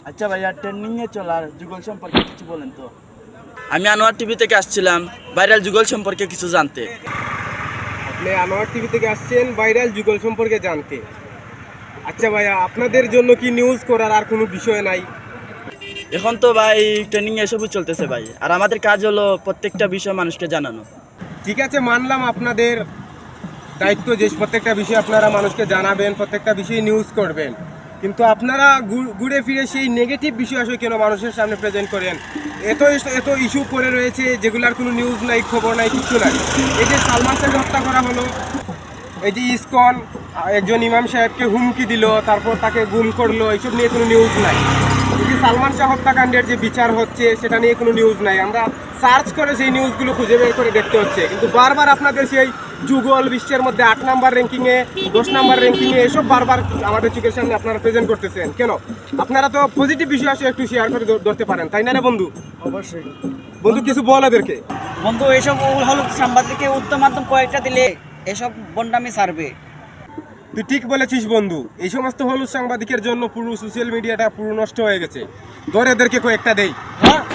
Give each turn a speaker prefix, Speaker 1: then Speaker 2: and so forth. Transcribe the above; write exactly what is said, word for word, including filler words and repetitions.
Speaker 1: আচ্ছা ভাইয়া, ট্রেন্ডিংয়ে চলার যুগল সম্পর্কে কিছু বলেন তো। আমি আনোয়ার টিভি থেকে আসছিলাম ভাইরাল যুগল সম্পর্কে কিছু জানতে।
Speaker 2: আপনি আনোয়ার টিভি থেকে আসছেন ভাইরাল যুগল সম্পর্কে জানতে। আচ্ছা ভাইয়া, আপনাদের জন্য কি নিউজ করার আর কোনো বিষয় নাই?
Speaker 1: এখন তো ভাই ট্রেনিং এসবই চলতেছে ভাই, আর আমাদের কাজ হলো প্রত্যেকটা বিষয় মানুষকে জানানো।
Speaker 2: ঠিক আছে, মানলাম আপনাদের দায়িত্ব যে প্রত্যেকটা বিষয় আপনারা মানুষকে জানাবেন, প্রত্যেকটা বিষয়ে নিউজ করবেন, কিন্তু আপনারা ঘুরে ফিরে সেই নেগেটিভ বিষয় আসলে কেন মানুষের সামনে প্রেজেন্ট করেন? এত এত ইস্যু করে রয়েছে যেগুলোর কোনো নিউজ নাই, খবর নাই, কিছু নাই। এই যে সালমান শাহকে হত্যা করা হলো, এই যে ইসকন একজন ইমাম সাহেবকে হুমকি দিল, তারপর তাকে গুম করলো, এইসব নিয়ে কোনো নিউজ নাই। এই যে সালমান শাহ হত্যাকাণ্ডের যে বিচার হচ্ছে সেটা নিয়ে কোনো নিউজ নাই। আমরা সার্চ করে সেই নিউজগুলো খুঁজে বের করে দেখতে হচ্ছে, কিন্তু বারবার আপনাদের সেই যুগল বিশ্বের মধ্যে আট নাম্বার র্যাঙ্কিংয়ে, দশ নাম্বার র্যাঙ্কিংয়ে এসব বারবার আমাদের চোখের সামনে আপনারা প্রেজেন্ট করতেছেন কেন? আপনারা তো পজিটিভ বিষয় আসলে একটু শেয়ার করে ধরতে পারেন, তাই না রে বন্ধু?
Speaker 1: অবশ্যই
Speaker 2: বন্ধু, কিছু বল এদেরকে।
Speaker 3: বন্ধু, এইসব হলো সাংবাদিককে উত্তম মাধ্যম কয়েকটা দিলে এসব বন্ডামি সারবে।
Speaker 2: তুই ঠিক বলেছিস বন্ধু, এই সমস্ত হলুদ সাংবাদিকের জন্য পুরো সোশ্যাল মিডিয়াটা পুরো নষ্ট হয়ে গেছে। ধর এদেরকে কয়েকটা দেই।
Speaker 3: হ্যাঁ।